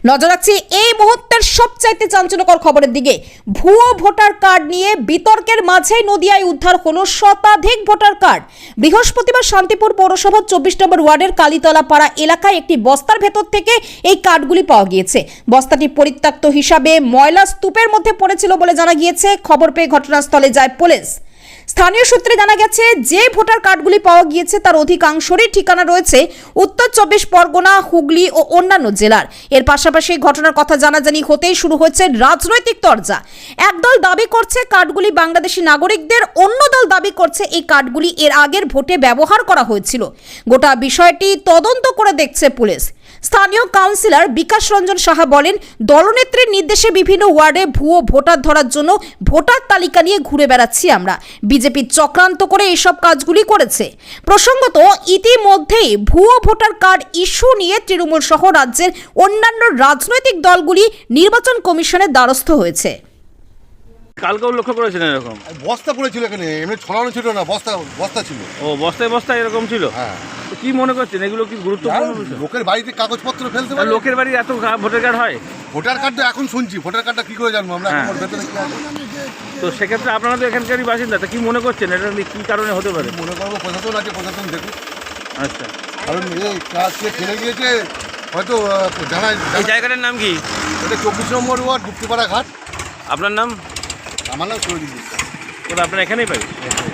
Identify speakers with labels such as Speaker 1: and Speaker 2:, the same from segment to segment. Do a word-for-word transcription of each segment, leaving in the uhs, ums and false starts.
Speaker 1: নজর রাখছি এই মুহূর্তের সবচাইতে চাঞ্চল্যকর খবরের দিকে। ভুয়ো ভোটার কার্ড নিয়ে বিতর্কের মাঝে নদিয়ায় উদ্ধার হলো শতাধিক ভোটার কার্ড। বৃহস্পতিবার শান্তিপুর পৌরসভার চব্বিশ নম্বর ওয়ার্ডের কালীতলা পাড়া এলাকায় একটি বস্তার ভেতর থেকে এই কার্ডগুলি পাওয়া গিয়েছে। বস্তাটি পরিত্যক্ত হিসাবে ময়লা স্তূপের মধ্যে পড়েছিল বলে জানা গিয়েছে। খবর পেয়ে ঘটনাস্থলে যায় পুলিশ। স্থানীয় সূত্রে জানা গেছে যে ভোটার কার্ডগুলি পাওয়া গিয়েছে তার অধিকাংশেরই ঠিকানা রয়েছে উত্তর চব্বিশ পরগনা, হুগলি ও অন্যান্য জেলার। এর পাশাপাশি ঘটনার কথা জানাজানি হতেই শুরু হয়েছে রাজনৈতিক তরজা। একদল দাবি করছে কার্ডগুলি বাংলাদেশি নাগরিকদের, অন্য দল দাবি করছে এই কার্ডগুলি এর আগের ভোটে ব্যবহার করা হয়েছিল। গোটা বিষয়টি তদন্ত করে দেখছে পুলিশ। স্থানীয় কাউন্সিলর বিকাশ রঞ্জন সাহা বলেন, দলনেত্রীর নির্দেশে বিভিন্ন ওয়ার্ডে ভুয়ো ভোটার ধরার জন্য ভোটার তালিকা নিয়ে ঘুরে বেড়াচ্ছি আমরা। বিজেপি চক্রান্ত করে এইসব কাজগুলি করেছে। প্রসঙ্গত, ইতিমধ্যেই ভুয়ো ভোটার কার্ড ইস্যু নিয়ে তৃণমূল সহ রাজ্যের অন্যান্য রাজনৈতিক দলগুলি নির্বাচন কমিশনের দ্বারস্থ হয়েছে।
Speaker 2: কালকেও লক্ষ্য করেছেন এরকম
Speaker 3: বস্তা পড়েছিল এখানে, এমনি ছড়ানো ছিল না, বস্তা বস্তা ছিল।
Speaker 2: ও বস্তায় বস্তায় এরকম ছিল।
Speaker 3: হ্যাঁ,
Speaker 2: তো কি মনে করছেন এগুলো কি গুরুত্বপূর্ণ বিষয়?
Speaker 3: লোকের বাড়িতে কাগজপত্র ফেলতে পারে।
Speaker 2: লোকের বাড়ি এত ভোটার কার্ড হয়?
Speaker 3: ভোটার কার্ড তো এখন শুনছি, ভোটার কার্ডটা কি করে জানবো আমরা?
Speaker 2: হ্যাঁ।
Speaker 3: এখন ভেতরে কি আছে?
Speaker 2: তো সেক্ষেত্রে আপনারা তো এখানকারই বাসিন্দা, তা কি মনে করছেন এটা কি কারণে হতে পারে?
Speaker 3: মনে করবো প্রশাসন আছে, প্রশাসন দেখুন।
Speaker 2: আচ্ছা,
Speaker 3: কারণ এই কাজ সে ফেলে গিয়েছে হয়তো জানাই।
Speaker 2: এই জায়গাটার নাম কি?
Speaker 3: এটা চব্বিশ নম্বর ওয়ার্ড, গুপ্তিপাড়া ঘাট।
Speaker 2: আপনার নাম?
Speaker 3: আমার নাম সুরজিৎ বিশ্বাস।
Speaker 2: ওটা আপনার এখানেই পাই।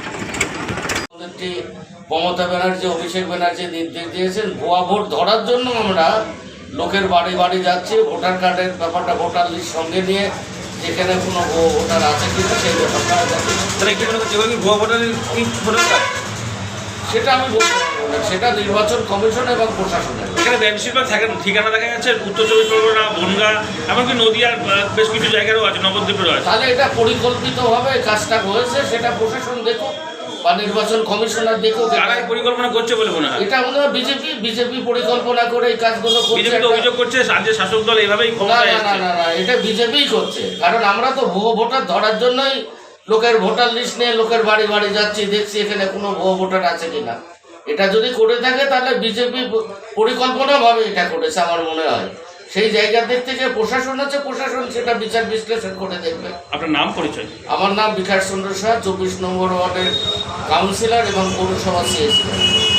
Speaker 4: মমতা ব্যানার্জি, অভিষেক ব্যানার্জি নির্দেশ দিয়েছেন ভুয়া ভোট ধরার জন্য আমরা লোকের বাড়ি বাড়ি যাচ্ছি। ভোটার কার্ডের ব্যাপারটা, ভোটার লিস্ট সঙ্গে নিয়ে যেখানে কোনো ভুয়ো ভোটার আছে কিনা সেই ব্যাপারটা
Speaker 2: ভুয়া ভোটার
Speaker 4: সেটা আমি বলতে পারবো না। সেটা নির্বাচন কমিশন এবং প্রশাসনের।
Speaker 5: এখানে বেশিরভাগ থাকেন ঠিকানা দেখা যাচ্ছে উত্তর চব্বিশ পরগনা, বনগাঁ, এমনকি নদীয়ার বেশ কিছু জায়গারও আছে, নবদ্বীপেরও আছে।
Speaker 4: তাহলে এটা পরিকল্পিতভাবে কাজটা হয়েছে, সেটা প্রশাসন দেখুক বা নির্বাচন কমিশনার দেখুক।
Speaker 5: কারাই পরিকল্পনা করছে বলে মনে হয়?
Speaker 4: এটা মনে হয় বিজেপি বিজেপি পরিকল্পনা করে এই কাজগুলো করছে।
Speaker 5: বিজেপি তো অভিযোগ করছে রাজ্যের শাসক দল এইভাবেই
Speaker 4: না
Speaker 5: ক্ষমতায়
Speaker 4: না না
Speaker 5: আসছে।
Speaker 4: না না এটা বিজেপিই করছে। কারণ আমরা তো ভুয়ো ভোটার ধরার জন্যই লোকের ভোটার লিস্ট নিয়ে লোকের বাড়ি বাড়ি যাচ্ছি, দেখছি এখানে কোনো ভুয়ো ভোটার আছে কিনা। এটা যদি করে থাকে তাহলে বিজেপি পরিকল্পনাভাবে এটা করেছে আমার মনে হয়। সেই জায়গার দিক থেকে প্রশাসন আছে, প্রশাসন সেটা বিচার বিশ্লেষণ করে দেখবে।
Speaker 5: আপনার নাম, পরিচয়?
Speaker 4: আমার নাম বিকাশ চন্দ্র সাহা, চব্বিশ নম্বর ওয়ার্ডের কাউন্সিলর এবং পৌরসভা সিএসি।